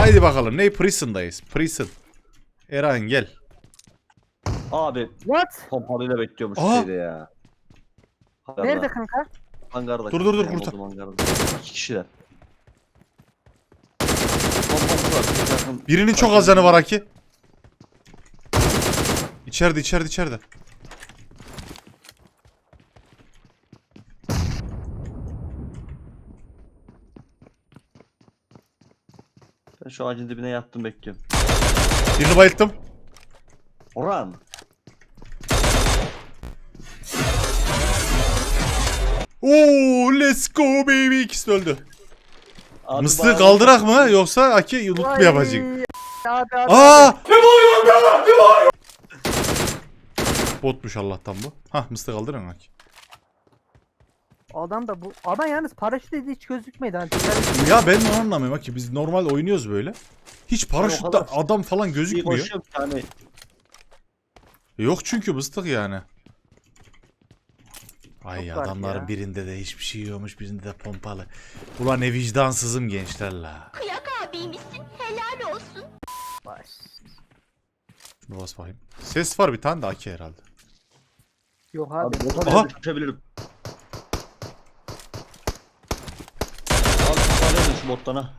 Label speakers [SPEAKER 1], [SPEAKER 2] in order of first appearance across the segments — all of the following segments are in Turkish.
[SPEAKER 1] Haydi bakalım. Ne? Prison'dayız. Prison. Eren gel.
[SPEAKER 2] Abi
[SPEAKER 3] What?
[SPEAKER 2] pompalıyla bekliyormuş
[SPEAKER 1] Aa!
[SPEAKER 2] şeyde ya. Hangarda.
[SPEAKER 3] Nerede kanka?
[SPEAKER 2] Hangarda.
[SPEAKER 1] Dur,
[SPEAKER 2] kanka,
[SPEAKER 1] kurtar.
[SPEAKER 2] benim olduğum hangarda. 2 kişiler. Pompalısı var. çok yakın.
[SPEAKER 1] Birinin çok az canı var Aki. İçeride.
[SPEAKER 2] Ben şu ağacın dibine yattım bekliyorum.
[SPEAKER 1] Birini bayılttım.
[SPEAKER 2] Orhan.
[SPEAKER 1] Oo, let's go baby. İkisi de öldü.
[SPEAKER 2] Abi
[SPEAKER 1] Mıstığı
[SPEAKER 2] bana-
[SPEAKER 1] kaldırak mı yoksa Aki loot mu yapacak?
[SPEAKER 3] Abi.
[SPEAKER 1] Aa! Ne bağırıyorsun? Botmuş Allah'tan bu. Hah, mıstığı kaldıran Aki.
[SPEAKER 3] Adam da bu. Adam yalnız paraşüt dediği hiç gözükmedi. Hani
[SPEAKER 1] Ya ben onu anlamıyorum Aki. Biz normal oynuyoruz böyle. Hiç paraşütte
[SPEAKER 2] kadar-
[SPEAKER 1] adam falan
[SPEAKER 2] İyi
[SPEAKER 1] gözükmüyor.
[SPEAKER 2] koşuyorum yani.
[SPEAKER 1] Yok çünkü mıstık yani. Ay
[SPEAKER 3] Çok farklı
[SPEAKER 1] adamların
[SPEAKER 3] ya.
[SPEAKER 1] birinde de hiçbir şey yiyormuş, birinde de pompalı. Ulan ne vicdansızım gençler la.
[SPEAKER 4] Kıyak abiymişsin, helal olsun.
[SPEAKER 3] baş.
[SPEAKER 1] Şunu bas bakayım. Ses var bir tane de Aki herhalde.
[SPEAKER 3] Yok
[SPEAKER 2] Abi
[SPEAKER 3] abi.
[SPEAKER 2] bota
[SPEAKER 1] Aha!
[SPEAKER 2] bile düşebilirim. Abi tutarıyorum şu bottan ha.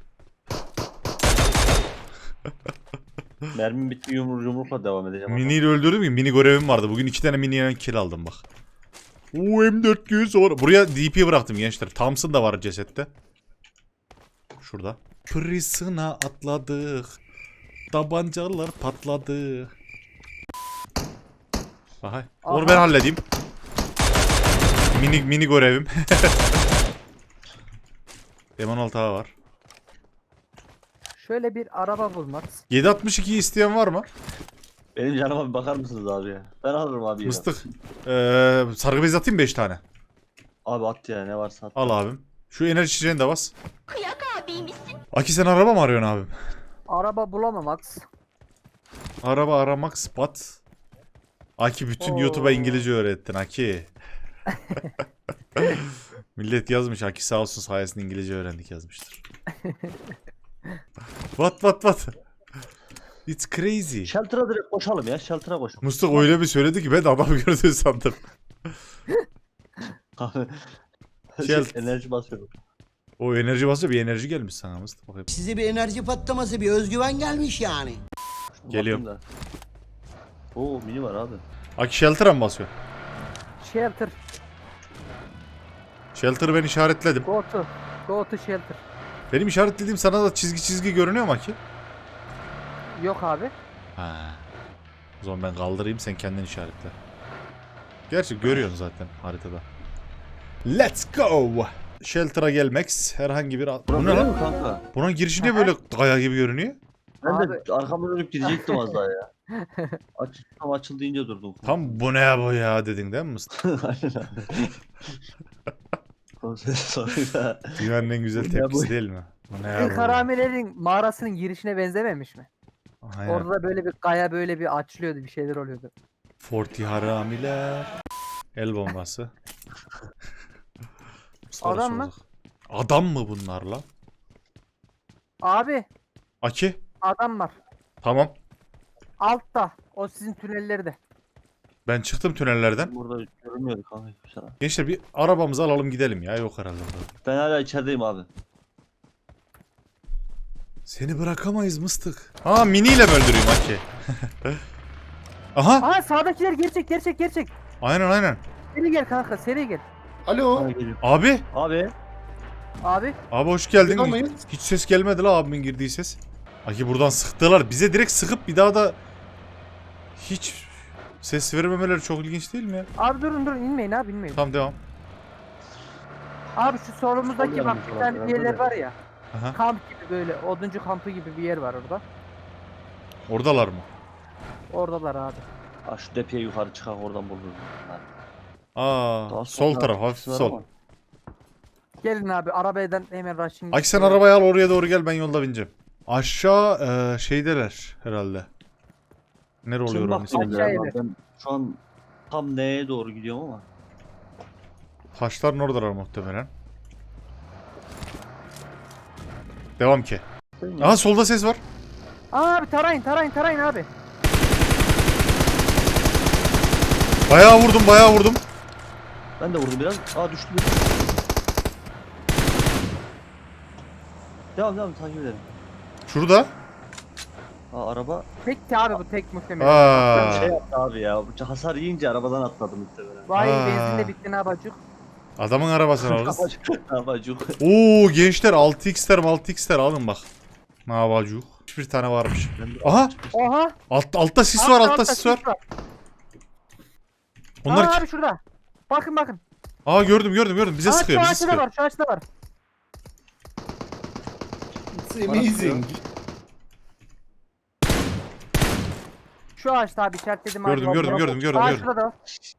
[SPEAKER 2] Mermim bitti yumrukla devam edeceğim.
[SPEAKER 1] Mini'yi öldürdüm ki mini görevim vardı. Bugün 2 tane mini'ye kill aldım bak. Oo, M400 var. Buraya DP bıraktım gençler. Thompson da var cesette. Şurada. Prison'a atladık. Tabancalar patladı. Aha. Onu ben halledeyim. Mini görevim. M16 var.
[SPEAKER 3] Şöyle bir araba bulmak.
[SPEAKER 1] 7.62 isteyen var mı?
[SPEAKER 2] Benim canıma bir bakar mısınız abi ya? Ben alırım abi.
[SPEAKER 1] Mıstık. Sargı bez atayım 5 tane.
[SPEAKER 2] Abi at ya ne varsa at.
[SPEAKER 1] Al abim. Şu enerji içeceğini de bas.
[SPEAKER 4] Kıyak abiymişsin.
[SPEAKER 1] Aki sen araba mı arıyorsun abim?
[SPEAKER 3] Araba bulamamak.
[SPEAKER 1] Araba aramak spot. Aki bütün
[SPEAKER 3] Oo.
[SPEAKER 1] YouTube'a İngilizce öğrettin Aki. Millet yazmış Aki sağ olsun sayesinde İngilizce öğrendik yazmıştır. What? It's crazy.
[SPEAKER 2] Shelter'a direkt koşalım ya. Shelter'a koşalım.
[SPEAKER 1] Mustafa öyle bir söyledi ki ben de adam gördüğünü sandım.
[SPEAKER 2] Abi.
[SPEAKER 1] Shelter.
[SPEAKER 2] Enerji basıyorum.
[SPEAKER 1] O enerji basıyor, bir enerji gelmiş sana Mustafa. Bakayım.
[SPEAKER 5] Size bir enerji patlaması, bir özgüven gelmiş yani.
[SPEAKER 1] Geliyorum.
[SPEAKER 2] Bakayım da. Oo mini var abi.
[SPEAKER 1] Aki shelter'a mı basıyor?
[SPEAKER 3] Shelter.
[SPEAKER 1] Shelter'ı ben işaretledim.
[SPEAKER 3] Go to shelter.
[SPEAKER 1] Benim işaretlediğim sana da çizgi görünüyor mu Aki?
[SPEAKER 3] Yok abi.
[SPEAKER 1] Ha. O zaman ben kaldırayım, sen kendin işaretle. Gerçi görüyorsun zaten haritada. Let's go. Shelter'a gelmek herhangi bir... Bu ne
[SPEAKER 2] Burası
[SPEAKER 1] lan?
[SPEAKER 2] mi kanka?
[SPEAKER 1] Bunun girişi niye böyle kaya gibi görünüyor?
[SPEAKER 2] Ben
[SPEAKER 3] Abi.
[SPEAKER 2] de arkamı dönüp girecektim az daha ya. Tam açıl deyince durdum.
[SPEAKER 1] Tam bu ne bu ya dedin değil mi Mustafa?
[SPEAKER 2] Aynen abi. Sonra
[SPEAKER 1] Dünyanın en güzel
[SPEAKER 2] Bu ne
[SPEAKER 1] tepkisi
[SPEAKER 2] bu?
[SPEAKER 1] değil mi? Bu ne ya
[SPEAKER 3] İlk
[SPEAKER 1] bu?
[SPEAKER 3] haramilerin mağarasının girişine benzememiş mi?
[SPEAKER 1] Aynen.
[SPEAKER 3] Orada da böyle bir kaya böyle bir açılıyordu, bir şeyler oluyordu.
[SPEAKER 1] Forti haramiler. El bombası. Sarı
[SPEAKER 3] Adam mı?
[SPEAKER 1] soluk. Adam mı bunlar lan?
[SPEAKER 3] Abi
[SPEAKER 1] Aki.
[SPEAKER 3] adam var.
[SPEAKER 1] Tamam.
[SPEAKER 3] Altta. O sizin tünellerde.
[SPEAKER 1] Ben çıktım tünellerden.
[SPEAKER 2] burada görünmüyordu kanka hiçbir şey.
[SPEAKER 1] Gençler bir arabamızı alalım gidelim ya. Yok herhalde burada.
[SPEAKER 2] Ben hala içerideyim abi.
[SPEAKER 1] Seni bırakamayız mıstık. Aa miniyle mi öldüreyim Aki? Aha.
[SPEAKER 3] Aa sağdakiler gerçek.
[SPEAKER 1] Aynen.
[SPEAKER 3] Seri gel kanka, seri gel.
[SPEAKER 2] Bana geliyor.
[SPEAKER 1] Abi.
[SPEAKER 2] Abi.
[SPEAKER 3] Abi
[SPEAKER 1] Hoş geldin.
[SPEAKER 6] Bırakamayız.
[SPEAKER 1] Hiç ses gelmedi la abimin girdiği ses. Aki buradan sıktılar. Bize direkt sıkıp bir daha da hiç ses vermemeleri çok ilginç değil mi ya?
[SPEAKER 3] abi durun inmeyin abi inmeyin.
[SPEAKER 1] Tamam devam.
[SPEAKER 3] Abi şu solumuzdaki
[SPEAKER 2] Sol
[SPEAKER 3] bak
[SPEAKER 2] yanımız
[SPEAKER 3] bir
[SPEAKER 2] var,
[SPEAKER 3] tane
[SPEAKER 2] herhalde
[SPEAKER 3] yerler
[SPEAKER 2] de.
[SPEAKER 3] var ya.
[SPEAKER 1] Aha.
[SPEAKER 3] Kamp gibi böyle oduncu kampı gibi bir yer var orada.
[SPEAKER 1] Oradalar mı?
[SPEAKER 3] Oradalar abi.
[SPEAKER 2] Aa, şu depeye yukarı çıkar oradan buluruz.
[SPEAKER 1] Aa,
[SPEAKER 2] Daha
[SPEAKER 1] sol
[SPEAKER 2] sonra
[SPEAKER 1] taraf hafif
[SPEAKER 2] var
[SPEAKER 1] sol.
[SPEAKER 2] ama.
[SPEAKER 3] Gelin abi arabadan hemen rushing.
[SPEAKER 1] Aki sen arabayı al oraya doğru gel ben yolda bineceğim. Aşağı şeydeler herhalde. Nere oluyor
[SPEAKER 2] Şimdi
[SPEAKER 1] onun
[SPEAKER 2] bak
[SPEAKER 1] ismi?
[SPEAKER 3] Aşağı
[SPEAKER 2] ya,
[SPEAKER 3] iner.
[SPEAKER 2] ben şu an tam neye doğru gidiyorum ama.
[SPEAKER 1] Taşların oradalar muhtemelen. Devam ki.
[SPEAKER 2] Açıktayım ya.
[SPEAKER 1] Aha solda ses var.
[SPEAKER 3] Aa abi tarayın abi.
[SPEAKER 1] Bayağı vurdum.
[SPEAKER 2] Ben de vurdum biraz. Aa düştü bir. Devam takip edelim.
[SPEAKER 1] Şurada.
[SPEAKER 2] Aa araba
[SPEAKER 3] Tek ki abi bu tek muhtemelen.
[SPEAKER 1] Aa.
[SPEAKER 2] şey yaptı abi ya. Hasar yiyince arabadan atladım muhtemelen.
[SPEAKER 3] Vay
[SPEAKER 1] Aa.
[SPEAKER 3] benzin de bitti ne yapacak?
[SPEAKER 1] Adamın arabasını alırız.
[SPEAKER 2] Abacuk.
[SPEAKER 1] Oo gençler 6x'ler alın bak. Ne yapacak? Bir tane varmış. Aha
[SPEAKER 3] Oha.
[SPEAKER 1] altta sis var, altta sis var. Onlar
[SPEAKER 3] Aa abi şurada. Bakın.
[SPEAKER 1] Aa gördüm. Bize
[SPEAKER 3] Aa,
[SPEAKER 1] sıkıyor, bize
[SPEAKER 3] şu
[SPEAKER 1] sıkıyor.
[SPEAKER 3] var, şu ağaçta var.
[SPEAKER 6] It's amazing.
[SPEAKER 3] Şu ağaçta abi işaretledim abi.
[SPEAKER 1] Gördüm.
[SPEAKER 3] Aa şurada da var.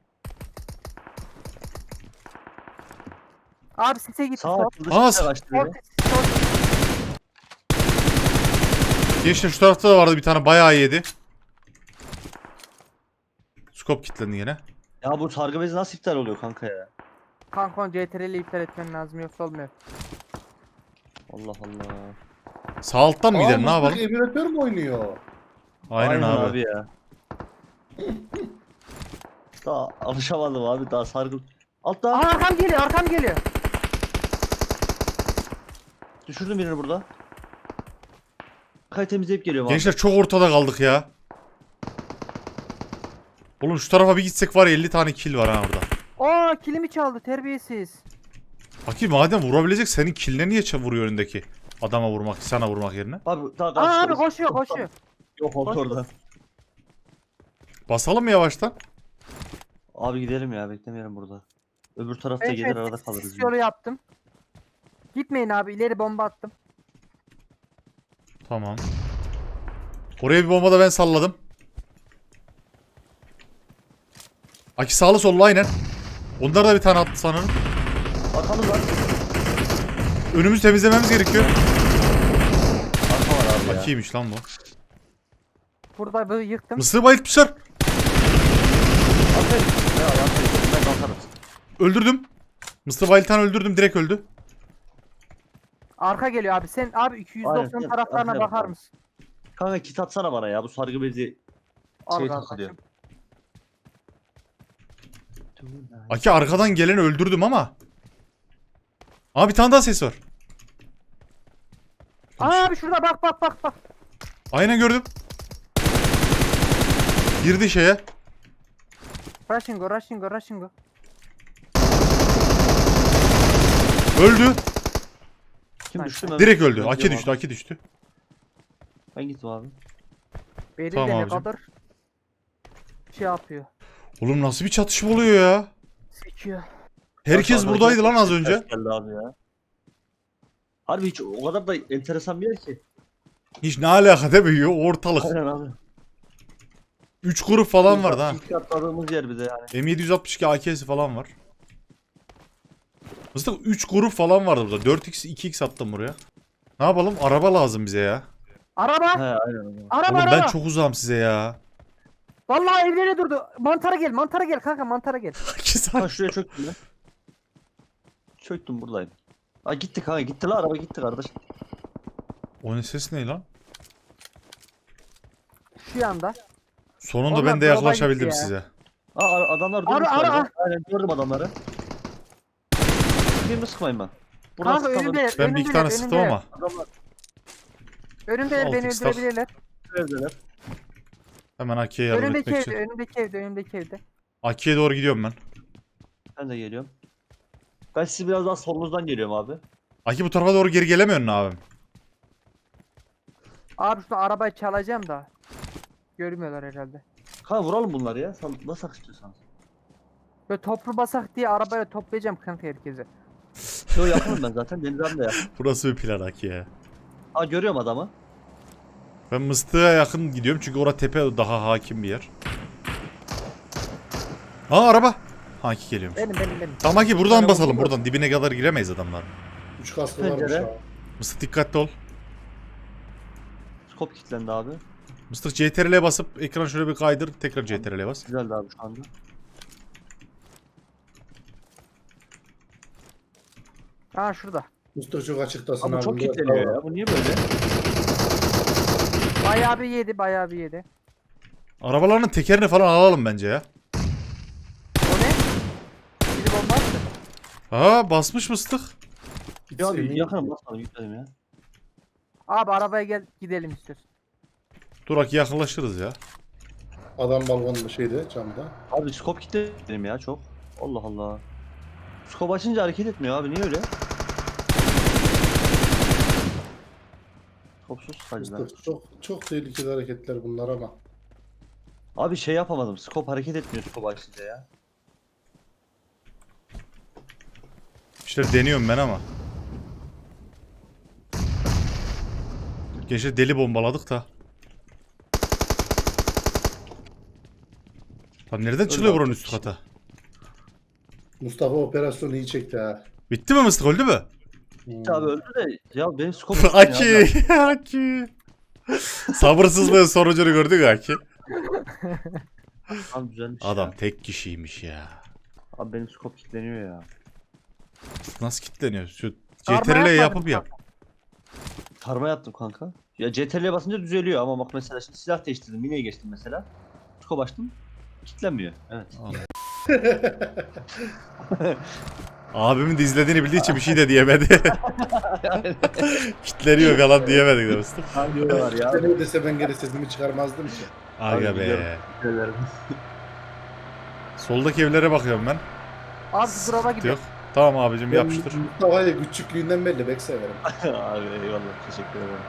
[SPEAKER 3] Abi sise git.
[SPEAKER 2] Sağ
[SPEAKER 3] sol.
[SPEAKER 2] açıldı.
[SPEAKER 1] Aa,
[SPEAKER 2] Şimdi açtı
[SPEAKER 3] Sol,
[SPEAKER 2] beni.
[SPEAKER 3] sol.
[SPEAKER 1] Gençler şu tarafta da vardı bir tane, bayağı yedi. Skop kilitlendi yine.
[SPEAKER 2] Ya bu sargı bezi nasıl iptal oluyor kanka ya?
[SPEAKER 3] Kankon CTRL'i iptal etmen lazım yoksa olmuyor.
[SPEAKER 2] Allah Allah.
[SPEAKER 1] Sağ alttan mı gidelim, ne yapalım?
[SPEAKER 6] Emülatör mü oynuyor?
[SPEAKER 1] Aynen abi.
[SPEAKER 2] ya. Daha alışamadım abi, daha sargı. Altta.
[SPEAKER 3] Aa arkam geliyor.
[SPEAKER 2] Düşürdüm birini burada. Kay temizleyip geliyorum abi.
[SPEAKER 1] Gençler çok ortada kaldık ya. Oğlum şu tarafa bir gitsek var ya, 50 tane kill var ha orada.
[SPEAKER 3] Aa kilimi çaldı terbiyesiz.
[SPEAKER 1] Akif madem vurabilecek, senin killine niye vuruyor önündeki? Adama vurmak, sana vurmak yerine.
[SPEAKER 2] Abi daha
[SPEAKER 3] Aa abi
[SPEAKER 2] karşıda.
[SPEAKER 3] koşuyor.
[SPEAKER 2] Yok oldu orada.
[SPEAKER 1] Basalım mı yavaştan?
[SPEAKER 2] Abi gidelim ya, beklemeyelim burada. Öbür tarafta gelir arada kalırız.
[SPEAKER 3] Sis yolu yaptım. Gitmeyin abi, ileri bomba attım.
[SPEAKER 1] Tamam. Oraya bir bomba da ben salladım. Aki sağlı sollu aynen. Onlar da bir tane attı sanırım.
[SPEAKER 2] Arkamız var.
[SPEAKER 1] Önümüzü temizlememiz gerekiyor.
[SPEAKER 2] Arka var abi ya.
[SPEAKER 1] Aki'ymiş lan bu.
[SPEAKER 3] Burada böyle yıktım.
[SPEAKER 1] Mısır'ı bayıltmışlar.
[SPEAKER 2] Aferin. Ne var aferin. Ben kalkarım.
[SPEAKER 1] Öldürdüm. Mısır'ı bayıltan öldürdüm, direkt öldü.
[SPEAKER 3] Arka geliyor abi. Sen abi 290
[SPEAKER 2] Aynen,
[SPEAKER 3] taraflarına
[SPEAKER 2] arkaya
[SPEAKER 3] bakar
[SPEAKER 2] bak.
[SPEAKER 3] mısın?
[SPEAKER 2] Kanka kit atsana bana ya, bu sargı bezi
[SPEAKER 3] Al
[SPEAKER 2] şey
[SPEAKER 3] kardeşim.
[SPEAKER 2] takılıyor.
[SPEAKER 1] Aki arkadan geleni öldürdüm ama. Aa bir tane daha ses var.
[SPEAKER 3] Aa abi şurada bak.
[SPEAKER 1] Aynen gördüm. Girdi şeye.
[SPEAKER 3] Rushing go.
[SPEAKER 1] Öldü.
[SPEAKER 2] Kim düştü mü?
[SPEAKER 1] Direkt öldü.
[SPEAKER 2] Ben
[SPEAKER 1] Aki
[SPEAKER 2] gidiyorum
[SPEAKER 1] düştü,
[SPEAKER 2] abi.
[SPEAKER 1] Aki düştü.
[SPEAKER 2] Ben gittim abi.
[SPEAKER 3] Beri
[SPEAKER 1] Tamam
[SPEAKER 3] de ne
[SPEAKER 1] abicim.
[SPEAKER 3] kadar şey yapıyor.
[SPEAKER 1] Oğlum nasıl bir çatışma oluyor ya?
[SPEAKER 3] Sekiyor.
[SPEAKER 1] Herkes
[SPEAKER 2] Aşağıdaki
[SPEAKER 1] buradaydı lan az
[SPEAKER 2] ses
[SPEAKER 1] önce.
[SPEAKER 2] geldi abi ya. Harbi hiç o kadar da enteresan bir yer ki.
[SPEAKER 1] Hiç ne alaka değil mi? Ortalık.
[SPEAKER 2] Aynen abi.
[SPEAKER 1] 3 grup falan vardı ha.
[SPEAKER 2] İlk atladığımız yer bir de yani.
[SPEAKER 1] M762 AK'si falan var. Mıstık 3 grup falan vardı burada. 4x 2x attım buraya. Ne yapalım? Araba lazım bize ya.
[SPEAKER 3] Araba.
[SPEAKER 2] He aynen.
[SPEAKER 3] Araba.
[SPEAKER 1] Oğlum ben çok uzağım size ya.
[SPEAKER 3] Vallahi evlere durdu. Mantara gel kanka mantara gel.
[SPEAKER 2] Ha şuraya çöktüm ben. Çöktüm buradayım. Ha gitti kanka, gitti la araba, gitti kardeş.
[SPEAKER 1] O ne ses ne lan?
[SPEAKER 3] Şu yanda.
[SPEAKER 1] Sonunda
[SPEAKER 3] Onlar
[SPEAKER 1] ben de
[SPEAKER 3] drop'a
[SPEAKER 1] yaklaşabildim
[SPEAKER 3] gitti ya.
[SPEAKER 1] size.
[SPEAKER 2] Ha adamlar durmuş galiba. Aynen gördüm adamları. Birini sıkmayın ben. Buradan
[SPEAKER 3] Kanka
[SPEAKER 2] sıkalım.
[SPEAKER 3] önünde.
[SPEAKER 1] Ben bir iki tane sıktım ama.
[SPEAKER 2] Adamlar
[SPEAKER 3] Önünde beni
[SPEAKER 1] 6x tak.
[SPEAKER 3] öldürebilirler.
[SPEAKER 2] evdeler.
[SPEAKER 1] Hemen AK'ye yardım
[SPEAKER 3] Önündeki
[SPEAKER 1] etmek
[SPEAKER 3] evde,
[SPEAKER 1] için.
[SPEAKER 3] önündeki evde.
[SPEAKER 1] AK'ye doğru gidiyorum ben.
[SPEAKER 2] Ben de geliyorum. Ben sizi biraz daha solunuzdan geliyorum abi.
[SPEAKER 1] Aki bu tarafa doğru geri gelemiyorsun abim.
[SPEAKER 3] Abi şunu arabayı çalacağım da. Görmüyorlar herhalde.
[SPEAKER 2] Kanka vuralım bunları ya. Nasıl istiyorsanız.
[SPEAKER 3] Böyle toplu basak diye arabaya toplayacağım kanka herkese.
[SPEAKER 2] Yo yapalım ben zaten. Deniz abi de yap.
[SPEAKER 1] Burası bir plan Aki ya.
[SPEAKER 2] Ha görüyorum adamı.
[SPEAKER 1] Ben Mıstık'a yakın gidiyorum çünkü orada tepe daha hakim bir yer. Aa araba. Aki geliyormuş.
[SPEAKER 3] Benim.
[SPEAKER 1] Tamam Aki buradan
[SPEAKER 2] Araba
[SPEAKER 1] basalım,
[SPEAKER 2] burada.
[SPEAKER 1] buradan dibine kadar giremeyiz adamlar.
[SPEAKER 6] 3 kaskı varmış
[SPEAKER 2] Pencere.
[SPEAKER 6] ha.
[SPEAKER 1] Mıstık dikkatli ol.
[SPEAKER 2] Skop kilitlendi abi.
[SPEAKER 1] Mıstık CTRL'ye basıp ekran şöyle bir kaydır, tekrar CTRL'ye bas.
[SPEAKER 2] Güzeldi abi şu anda.
[SPEAKER 3] Aa şurada.
[SPEAKER 6] Mustafa çok açıktasın
[SPEAKER 2] Ama
[SPEAKER 6] abi.
[SPEAKER 2] çok
[SPEAKER 6] Biraz
[SPEAKER 2] kilitleniyor
[SPEAKER 6] daha
[SPEAKER 2] ya. Bu niye böyle?
[SPEAKER 3] Bayağı bir yedi, bayağı bir yedi.
[SPEAKER 1] Arabalarının tekerini falan alalım bence ya.
[SPEAKER 3] O ne? Biri bomba attı.
[SPEAKER 1] Aa basmış mıstık.
[SPEAKER 2] Ya abi
[SPEAKER 6] Emin-
[SPEAKER 2] yakınım basalım gitmedim ya.
[SPEAKER 3] Abi arabaya gel gidelim istiyorsun.
[SPEAKER 1] Dur Aki yakınlaşırız ya.
[SPEAKER 6] Adam balkonda şeyde camda.
[SPEAKER 2] Abi skop gitti benim ya çok. Allah Allah. Skop açınca hareket etmiyor abi niye öyle? Skopsuz hacılar.
[SPEAKER 6] Mıstık, çok tehlikeli hareketler bunlar ama.
[SPEAKER 2] Abi şey yapamadım. Skop hareket etmiyor skop açınca ya.
[SPEAKER 1] İşte deniyorum ben ama. Gençler deli bombaladık da. Lan nereden çıkıyor buranın üst kata?
[SPEAKER 6] Mustafa operasyonu iyi çekti ha.
[SPEAKER 1] Bitti mi mıstık, öldü mü?
[SPEAKER 2] Abi öldü de ya benim skop
[SPEAKER 1] Aki, Aki. Sabırsızlığın sonucunu gördük Aki.
[SPEAKER 2] Abi güzelmiş
[SPEAKER 1] Adam
[SPEAKER 2] ya.
[SPEAKER 1] tek kişiymiş ya.
[SPEAKER 2] Abi benim skop kilitleniyor ya.
[SPEAKER 1] Nasıl kilitleniyor? Şu
[SPEAKER 3] Sarma
[SPEAKER 1] CTRL
[SPEAKER 3] yapmadın
[SPEAKER 1] yapıp
[SPEAKER 3] mı?
[SPEAKER 1] yap.
[SPEAKER 2] Karma yaptım kanka. Ya CTRL'ye basınca düzeliyor ama bak mesela şimdi silah değiştirdim. Mine'ye geçtim mesela. Skop açtım. Kilitlenmiyor. Evet.
[SPEAKER 1] Abimin de izlediğini bildiği için bir şey de diyemedi. Kitleniyor falan diyemedik de mıstık.
[SPEAKER 2] Hangi var ya?
[SPEAKER 6] Ben dese ben geri sesimi çıkarmazdım ki.
[SPEAKER 1] Aga
[SPEAKER 2] Abi
[SPEAKER 1] be.
[SPEAKER 2] biliyorum.
[SPEAKER 1] Soldaki evlere bakıyorum ben.
[SPEAKER 3] Abi drop'a
[SPEAKER 1] Yok.
[SPEAKER 3] gidiyor.
[SPEAKER 1] Tamam abicim
[SPEAKER 6] Ben
[SPEAKER 1] yapıştır.
[SPEAKER 6] Mustafa'yla küçüklüğünden belli bek severim.
[SPEAKER 2] Abi eyvallah teşekkür ederim.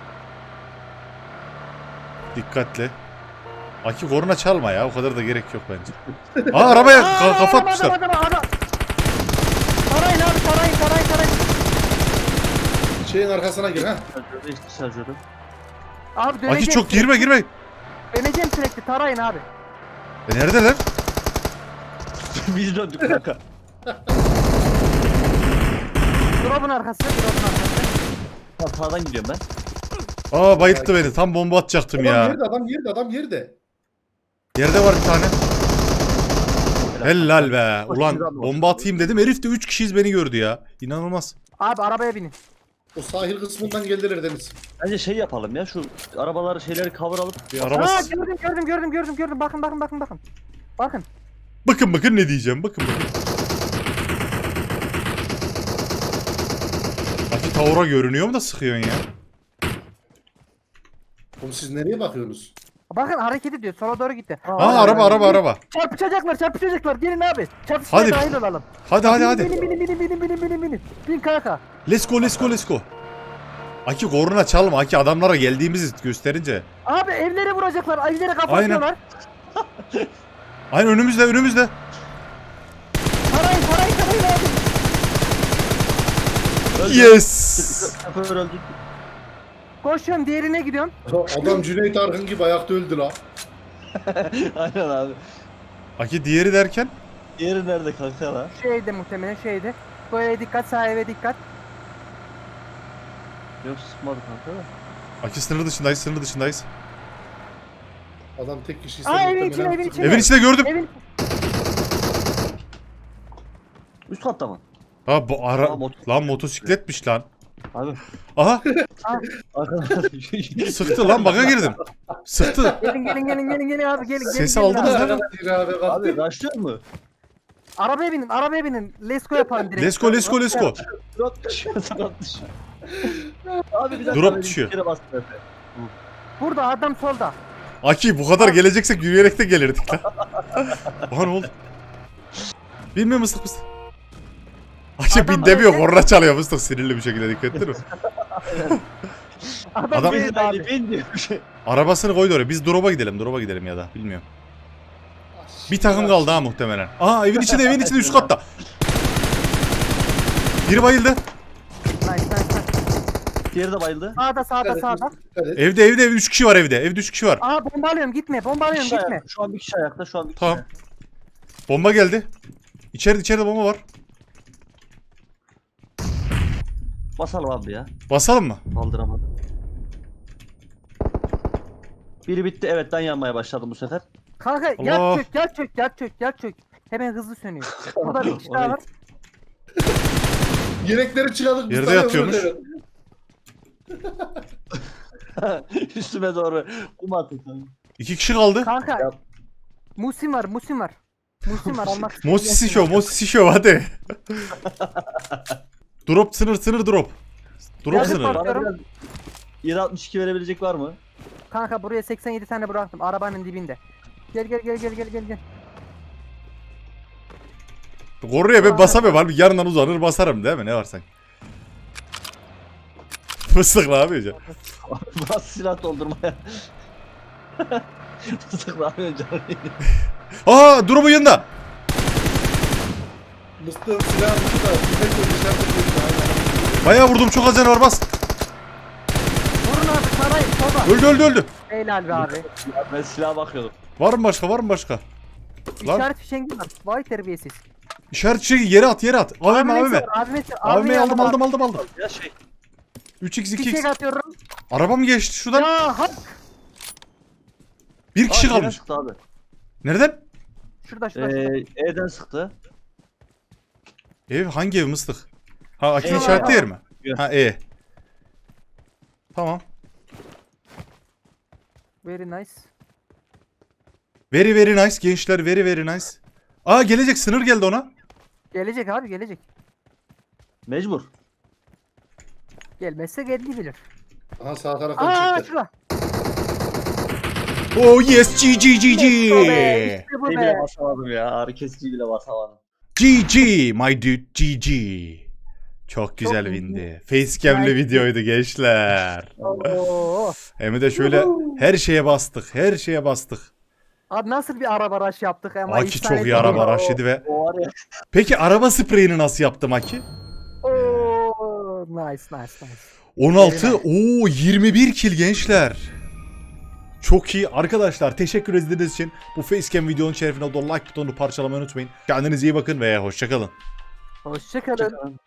[SPEAKER 1] Dikkatli. Aki korna çalma ya. O kadar da gerek yok bence. Aa arabaya kafa atmışlar.
[SPEAKER 3] Adam. Tarayın abi tarayın.
[SPEAKER 6] Şeyin arkasına gir ha.
[SPEAKER 2] Şarjörde işte şarjörüm.
[SPEAKER 3] Abi döneceğim.
[SPEAKER 1] Aki çok girme.
[SPEAKER 3] Döneceğim sürekli tarayın abi.
[SPEAKER 1] Neredeler?
[SPEAKER 2] Biz döndük kanka.
[SPEAKER 3] Drop'un arkası.
[SPEAKER 2] Tamam sağdan gidiyorum ben.
[SPEAKER 1] Aa bayılttı beni. Tam bomba atacaktım
[SPEAKER 6] Adam
[SPEAKER 1] ya.
[SPEAKER 6] yerde, adam yerde.
[SPEAKER 1] Yerde var bir tane. Helal be. Ulan bomba atayım dedim. Herif de 3 kişiyiz, beni gördü ya. İnanılmaz.
[SPEAKER 3] Abi arabaya binin.
[SPEAKER 6] O sahil kısmından geldiler Deniz.
[SPEAKER 2] Bence şey yapalım ya şu arabaları şeyleri cover alıp.
[SPEAKER 1] Bir
[SPEAKER 3] Aa
[SPEAKER 1] araba.
[SPEAKER 3] gördüm. Bakın.
[SPEAKER 1] Bakın ne diyeceğim. Bakın. Aki tavura görünüyor mu da sıkıyorsun ya?
[SPEAKER 6] Oğlum siz nereye bakıyorsunuz?
[SPEAKER 3] Bakın hareket ediyor. Sola doğru gitti.
[SPEAKER 1] Aa araba.
[SPEAKER 3] Çarpışacaklar. Gelin abi. Çarpışmaya
[SPEAKER 1] Hadi.
[SPEAKER 3] dahil olalım.
[SPEAKER 1] Hadi.
[SPEAKER 3] Binin. Bin kanka.
[SPEAKER 1] Let's go. Aki korna çalma. Aki adamlara geldiğimizi gösterince.
[SPEAKER 3] Abi evlere vuracaklar. Evlere kafa
[SPEAKER 1] Aynen.
[SPEAKER 3] atıyorlar.
[SPEAKER 1] Aynen önümüzde.
[SPEAKER 3] Tarayın abi.
[SPEAKER 1] Yes.
[SPEAKER 2] Şoför öldü.
[SPEAKER 3] Koşuyorum diğerine gidiyorum.
[SPEAKER 6] Adam Cüneyt Arkın gibi ayakta öldü la.
[SPEAKER 2] Aynen abi.
[SPEAKER 1] Aki diğeri derken?
[SPEAKER 2] Diğeri nerede kanka la?
[SPEAKER 3] Şeyde muhtemelen şeyde. Bu eve dikkat, sağ eve dikkat.
[SPEAKER 2] Yok sıkmadı kanka da.
[SPEAKER 1] Aki sınır dışındayız.
[SPEAKER 6] Adam tek kişi
[SPEAKER 3] Aa evin içine.
[SPEAKER 1] Evin içinde gördüm.
[SPEAKER 3] Evin
[SPEAKER 2] Üst katta mı?
[SPEAKER 1] Ha bu ara...
[SPEAKER 2] Aa,
[SPEAKER 1] Lan motosikletmiş lan.
[SPEAKER 2] Abi.
[SPEAKER 1] Aha
[SPEAKER 2] Arkadaşlar.
[SPEAKER 1] sıktı lan, baka girdim. Sıktı.
[SPEAKER 3] gelin abi gelin.
[SPEAKER 1] Sesi
[SPEAKER 3] gelin
[SPEAKER 1] aldınız
[SPEAKER 3] abi.
[SPEAKER 1] değil mi?
[SPEAKER 2] Abi rushlıyor mu?
[SPEAKER 3] Arabaya binin. Let's go yapalım direkt.
[SPEAKER 1] Let's go.
[SPEAKER 2] Drop düşüyor. Abi bir dakika.
[SPEAKER 1] Drop
[SPEAKER 2] benim
[SPEAKER 1] düşüyor.
[SPEAKER 2] bir kere bastım Efe.
[SPEAKER 3] Burada adam solda.
[SPEAKER 1] Aki bu kadar geleceksek yürüyerek de gelirdik lan. Aha ne oldu? Bilmiyor musun mıstık? Aki
[SPEAKER 3] Adam
[SPEAKER 1] bin demiyor,
[SPEAKER 3] öyle-
[SPEAKER 1] korna çalıyor mıstık sinirli bir şekilde, dikkat ettin mi? Adam-
[SPEAKER 3] Bin
[SPEAKER 2] Bin
[SPEAKER 3] abi.
[SPEAKER 2] abi bin diyor bir şey.
[SPEAKER 1] Arabasını koydu oraya. Biz drop'a gidelim ya da bilmiyorum. Bir takım kaldı ha muhtemelen. Aha evin içinde üst katta. Biri bayıldı.
[SPEAKER 3] Nice.
[SPEAKER 2] Diğeri de bayıldı.
[SPEAKER 3] Sağda.
[SPEAKER 1] Evde 3 kişi var evde. Evde 3 kişi var.
[SPEAKER 3] Aa bomba alıyorum gitme.
[SPEAKER 2] Şu an bir kişi ayakta. Şu an bir kişi
[SPEAKER 1] Tamam.
[SPEAKER 2] ayakta.
[SPEAKER 1] Bomba geldi. İçeride bomba var.
[SPEAKER 2] Basalım abi ya.
[SPEAKER 1] Basalım mı?
[SPEAKER 2] Kaldıramadım. Biri bitti. Evet ben yanmaya başladım bu sefer.
[SPEAKER 3] Kanka
[SPEAKER 1] Allah.
[SPEAKER 3] yat çök. Hemen hızlı sönüyor. Burada bir kişi daha var.
[SPEAKER 6] Yelekleri çıkardık.
[SPEAKER 1] Yerde
[SPEAKER 6] Mustafa
[SPEAKER 1] yatıyormuş.
[SPEAKER 6] öldü.
[SPEAKER 2] Üstüme doğru kum atın kanka.
[SPEAKER 1] 2 kişi kaldı.
[SPEAKER 3] Kanka.
[SPEAKER 2] Ya.
[SPEAKER 3] Musim var. Musim var almak isteyen
[SPEAKER 1] Mosisi
[SPEAKER 3] gelsin.
[SPEAKER 1] show hadi. Drop sınır drop. Drop
[SPEAKER 3] Yazık
[SPEAKER 1] sınır.
[SPEAKER 3] bak.
[SPEAKER 2] Bana biraz 762 verebilecek var mı?
[SPEAKER 3] Kanka buraya 87 tane bıraktım arabanın dibinde. Gel.
[SPEAKER 1] Koruya ben basamıyorum abi. Yarından uzanır basarım değil mi? Ne var sanki? Fıstık ne yapıyor?
[SPEAKER 2] Bas silah doldurmaya. Fıstık ne yapıyorsun canım?
[SPEAKER 1] Aa drop'un yanında.
[SPEAKER 6] Mustafa silahı burada. Tüfekle dışarıda duruyor.
[SPEAKER 1] Bayağı vurdum çok az canı var bas.
[SPEAKER 3] Vurun abi sarayım soba.
[SPEAKER 1] Öldü.
[SPEAKER 3] Helal be abi.
[SPEAKER 2] Ya ben silaha bakıyordum.
[SPEAKER 1] Var mı başka? Lan.
[SPEAKER 3] İşaret fişengi var. Vay terbiyesiz.
[SPEAKER 1] İşaret çeki yere at. AVM. AVM aldım.
[SPEAKER 2] Ya şey.
[SPEAKER 1] 3x
[SPEAKER 3] Fişek
[SPEAKER 1] 2x.
[SPEAKER 3] atıyorum.
[SPEAKER 1] Araba mı geçti şuradan?
[SPEAKER 3] Ya hak.
[SPEAKER 1] Bir kişi
[SPEAKER 2] Aa, Eren
[SPEAKER 1] kalmış.
[SPEAKER 2] sıktı abi.
[SPEAKER 1] Nereden?
[SPEAKER 3] Şurada.
[SPEAKER 2] E'den sıktı.
[SPEAKER 1] Ev hangi ev mıstık? Ha Akil
[SPEAKER 2] Eyvah,
[SPEAKER 1] işaretli
[SPEAKER 2] eyvah.
[SPEAKER 1] yer mi?
[SPEAKER 2] Yok.
[SPEAKER 1] Ha Tamam.
[SPEAKER 3] Very nice.
[SPEAKER 1] Very nice gençler very nice. Aa gelecek sınır geldi ona.
[SPEAKER 3] Gelecek abi gelecek.
[SPEAKER 2] Mecbur.
[SPEAKER 3] Gelmezse geldi bilir.
[SPEAKER 6] Aha sağ taraftan
[SPEAKER 3] Aa
[SPEAKER 6] çıktı.
[SPEAKER 3] şurada.
[SPEAKER 1] Oh yes GG.
[SPEAKER 3] İşte bu
[SPEAKER 2] Ne
[SPEAKER 3] be.
[SPEAKER 2] bile basamadım ya. Ağrı kesici bile basamadım.
[SPEAKER 1] GG my dude GG. Çok güzel
[SPEAKER 3] iyi.
[SPEAKER 1] windi. Facecam'li
[SPEAKER 3] Nice.
[SPEAKER 1] videoydu gençler.
[SPEAKER 3] Oo.
[SPEAKER 1] Hem de şöyle her şeye bastık.
[SPEAKER 3] Abi nasıl bir araba rush yaptık ama
[SPEAKER 1] Aki çok iyi araba raşidi ve.
[SPEAKER 2] O var ya.
[SPEAKER 1] Peki araba spreyini nasıl yaptım Aki?
[SPEAKER 3] Oo, nice.
[SPEAKER 1] 16 o 21 kill gençler. Çok iyi arkadaşlar, teşekkür ediniz için bu facecam videonun şerefine like butonunu parçalamayı unutmayın. Kendinize iyi bakın ve hoşça kalın.
[SPEAKER 3] Hoşçakalın.